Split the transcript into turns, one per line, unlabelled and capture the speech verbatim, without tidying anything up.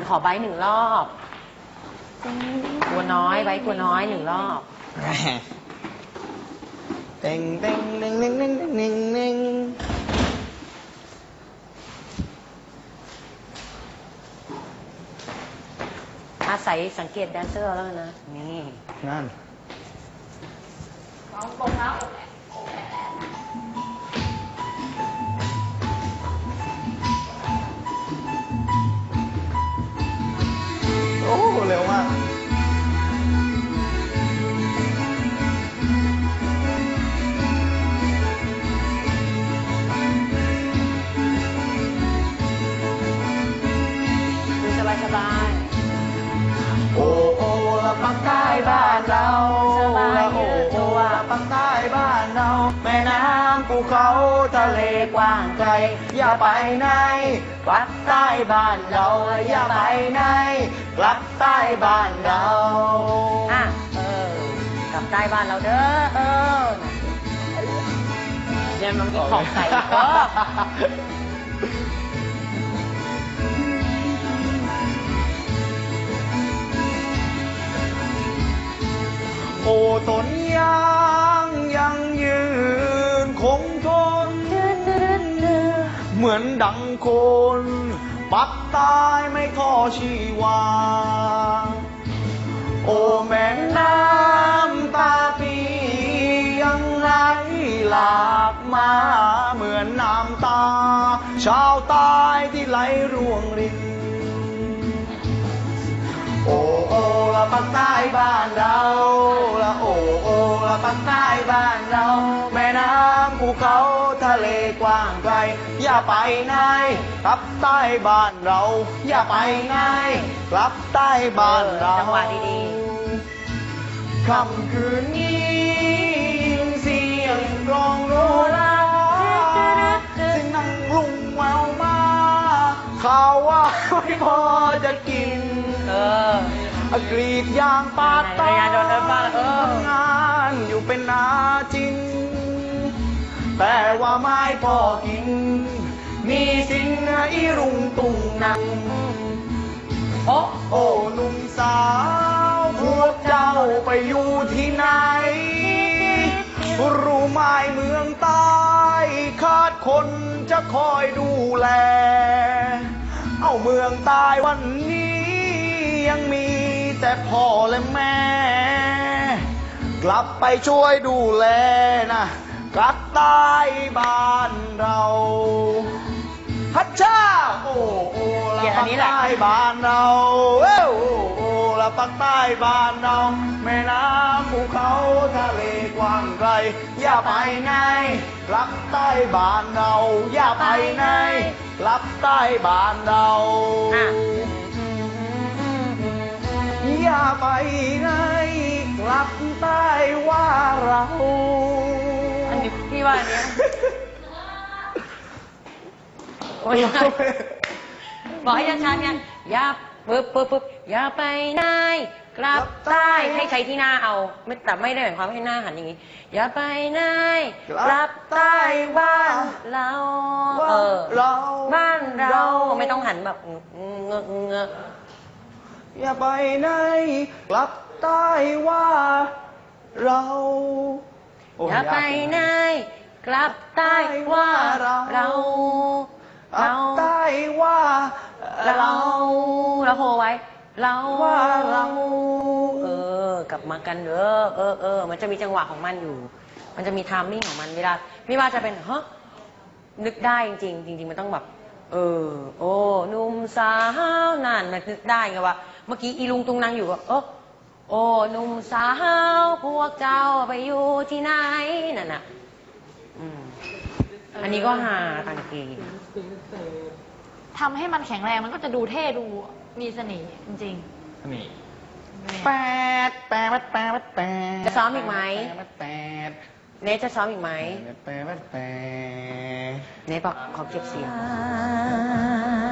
ขอใบหนึ่งรอบตัวน้อยใบตัวน้อยหนึ่งรอบ
เต็งเต็งเต็งเต็งเต็งเต็งเต็งเต็ง
อาศัยสังเกตแดนเซอร์แล้วนะนี่
นั่น
ลองกงเท้า
โอ้เร็วมาก
ดูสบายสบาย
โอ้โอ้ละปักใต้บ้านเราละโอ้โอ้ละปักใต้บ้านเราแม่น้ำภูเขาทะเลกว้างไกลอย่าไปไหนกลับใต้บ้านเราอย่าไปไหนกลับใต้บ้านเรา
อ่ะเออกลับใต้บ้านเราเด้อเออเดี๋ยวมันมีของใส่ก็
โอ้ต้นยางยังยืนคงทนเหมือนดังคนปักตายไม่ท้อชีวาโอ้แม่น้ำตาปียังไหลหลากมาเหมือนน้ำตาชาวใต้ที่ไหลร่วงรินโอ้โอ้ละปักใต้บ้านเราละโอ้โอ้ละปักใต้บ้านเราแม่น้ำภูเขาทะเลกว้างไกลอย่าไปไหนกลับใต้บ้านเราอย่าไปไหนกลับใต้บ้านเรา
จังหวะดี
ๆค่ำคืนนี้เสียงกลองโนราเสียงนั่งลุงแววมาข่าวว่าไม่พอจะกิน
เอ
อกรีดยางปาดตาทำงานอยู่เป็นนาจินแต่ว่าไม่พอกินมีสิ่งอีรุงตุงนังโอ้โอ้หนุ่มสาวพวกเจ้าไปอยู่ที่ไหนรู้ไหมเมืองใต้ขาดคนจะคอยดูแลเอาเมืองใต้วันนี้ยังมีแต่พ่อและแม่กลับไปช่วยดูแลนะกลับใต้บ้านเราฮัชชาโอ้โอ้ละปักใต้บ้านเราเอ้โอ้โอ้ละปักใต้บ้านเราแม่น้ำภูเขาทะเลกว้างไกลอย่าไปไหนกลับใต้บ้านเราอย่าไปไหนกลับใต้บ้านเราอย่าไปไหนกลับใต้ว่าเรา
อันนี้พี่ว่าอันเนี้ยโอ้ยบอกให้ชัดๆไงอย่าปึ๊บปึ๊บปึ๊บอย่าไปไหนกลับใต้ให้ใช้ที่หน้าเอาไม่แต่ไม่ได้หมายความให้หน้าหันอย่างนี้อย่าไปไหนกลับใต้บ้านเราเออบ้านเราไม่ต้องหันแบบเงอะเงอะ
อย่าไปไหนกลับใต้ว่าเรา
อย่าไปไหนกลับใต้ว่าเราเรา
ใต้ว่า
เราเราโหไว้เราว่าเราเออกลับมากันเด้อเออเออมันจะมีจังหวะของมันอยู่มันจะมีไทมิ่งของมันเวลาไม่ว่าจะเป็นเฮ้นึกได้จริงจริงๆมันต้องแบบเออโอ้หนุ่มสาวนั่นมันนึกได้ไงว่าเมื่อกี้อีลุงตุงนางอยู่ว่าโอ้โอ้หนุ่มสาวพวกเจ้าไปอยู่ที่ไหนนั่นน่ะอืมอันนี้ก็หาตังกี
ทำให้มันแข็งแรงมันก็จะดูเท่ดูมีเสน่ห์จริง
ๆนี่แปดแปดแปดแปด
จะซ้อมอีกไหม
แปด
เนทจะซ้อมอีกไหม
แปดแปดแปด
เนทบอกขอเก็บเสียง